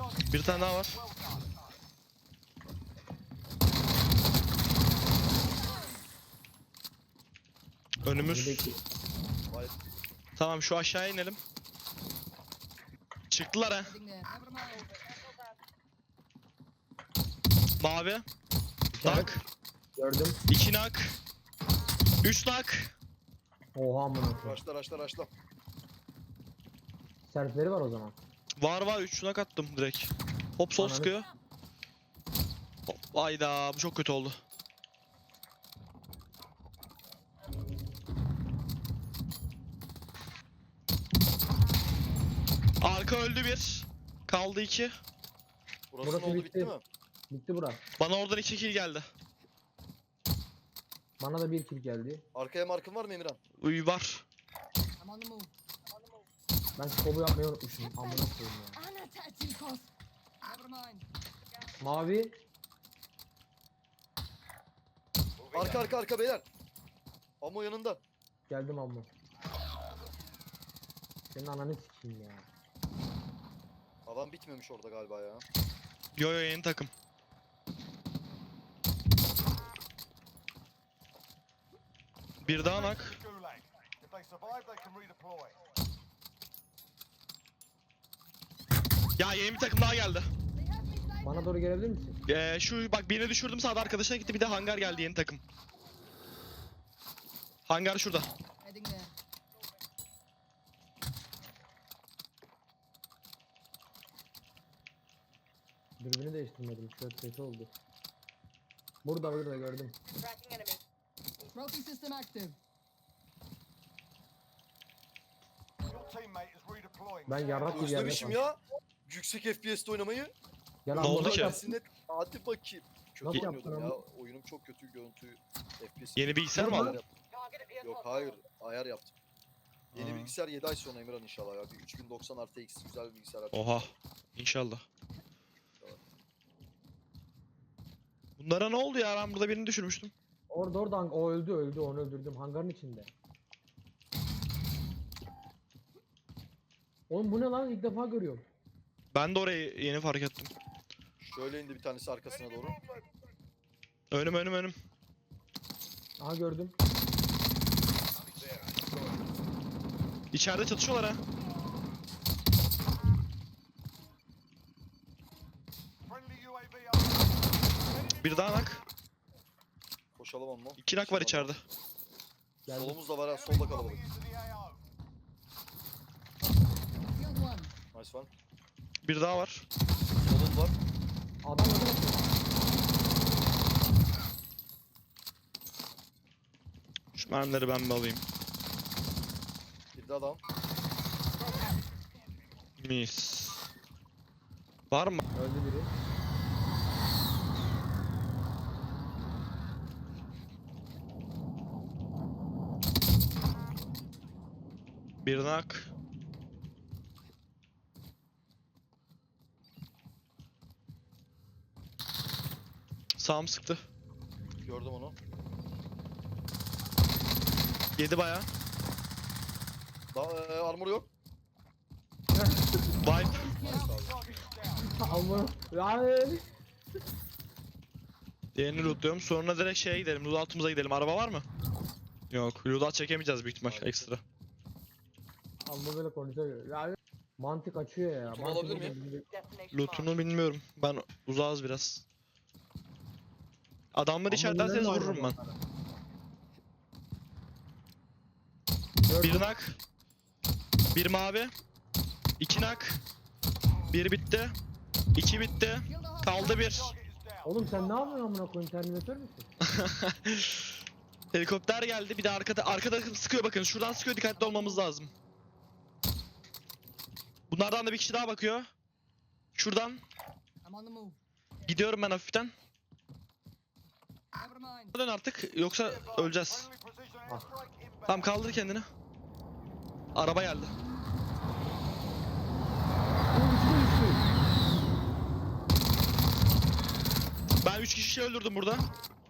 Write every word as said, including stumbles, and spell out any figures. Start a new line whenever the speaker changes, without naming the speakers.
Bir tane daha var. Önümüz.
Önündeki-
Vay.
Tamam şu aşağıya inelim. Çıktılar ha.
Heading there. Never mind.
Mavi.
İşaret.
Nak.
Gördüm.
iki nak. üç nak.
Oha amına koyayım.
Raşla raşla raşla.
Serfleri var o zaman.
Var var üç nak attım direkt. Hop sol
Ananı-
sıkıyor. Hop, ayda bu çok kötü oldu. Arka öldü bir. Kaldı iki.
Burası,
Burası
ne oldu
bitti.
bitti mi?
Bitti bura.
Bana oradan iki kill geldi.
Bana da bir kill geldi.
Arkaya markın var mı Emirhan?
Uy var.
I'm on the move.
Ben skobu yapmayı unutmuşum. Amına koyayım ya.
Anna Tatikos. Never mind.
Mavi.
Arka arka arka beyler. Amo yanında.
Geldim amma. Senin ananı sikeyim ya.
Adam bitmemiş orada galiba ya.
Yo yo yeni takım. Bir daha nak. Ya yeni bir takım daha geldi.
They have me flying.
Bana doğru gelebilir misin?
Ee, şu bak birini düşürdüm sağda arkadaşına gitti bir de hangar geldi yeni takım. Hangar şurada.
Heading there.
Dürbünü değiştirmedim. Şöyle kötü oldu. Burada burada gördüm.
Tracking enemy.
Trophy system active.
Ben yarrak gibi yerde
Özlemişim
kaldım.
ya. Yüksek F P S'te oynamayı.
Gel
Ne
amma,
oldu
bak
ki?
yap.
Gelsin net. Hadi bakayım. Kötü
Nasıl
oynuyordum
yaptın
ya.
abi?
Oyunum çok kötü. Görüntü F P S.
Yeni bilgisayar mı
Ayar
aldın?
yaptım.
Target at
Yok
vehicle.
hayır. Ayar yaptım. Yeni
Ha.
bilgisayar yedi ay sonra Emirhan inşallah ya. Bir üç bin doksan artı X güzel bir bilgisayar açacağım.
Oha. İnşallah. Bunlara ne oldu ya? Ben burada birini düşürmüştüm.
Orada orada hang- o öldü öldü onu öldürdüm hangarın içinde. Oğlum bu ne lan ilk defa görüyorum.
Ben de orayı yeni fark ettim.
Şöyle indi bir tanesi arkasına doğru.
Önüm önüm önüm.
Aha gördüm.
İçeride çatışıyorlar ha. Bir daha nak.
Koşalım onunla.
İki nak var içeride.
Geldim.
Solumuz da var ha. Solda kalabalık.
Killed one.
Nice one.
Bir daha var.
Solum var.
Adam öldü.
Şu mermileri ben bir alayım.
Bir de adam.
Mis. Var mı?
Öldü biri.
Bir nak. Sağım sıktı.
Gördüm onu.
Yedi baya.
Da e, armor yok.
Vibe.
Nice abi.
Amma. Yani.
Diğerini lootluyorum. Sonra direkt şeye gidelim. Loot altımıza gidelim. Araba var mı? Yok. Loot alt çekemeyeceğiz büyük ihtimal.
Maalesef.
Ekstra.
Amma böyle konuşuyor. Yani. Mantık açıyor ya.
Lootunu
Mantık
alabilir miyim?
Destination marked.
Loot'unu bilmiyorum. Ben uzağız biraz. Adamları
Amma
içerlerseniz
neler var
vururum ben.
adamlara? Gördüm.
Bir nak. Bir mavi. İki nak. Bir bitti. İki bitti.
Killed a hostile.
Kaldı bir.
Oğlum sen ne yapıyorsun amına koyayım terminatör müsün?
Helikopter geldi. Bir de arkada arkada sıkıyor bakın. Şuradan sıkıyor. Dikkatli olmamız lazım. Bunlardan da bir kişi daha bakıyor. Şuradan
I'm on the move.
gidiyorum ben hafiften.
Never mind.
Dön artık yoksa öleceğiz. Tamam kaldır kendini. Araba geldi. Ben üç kişi öldürdüm burada.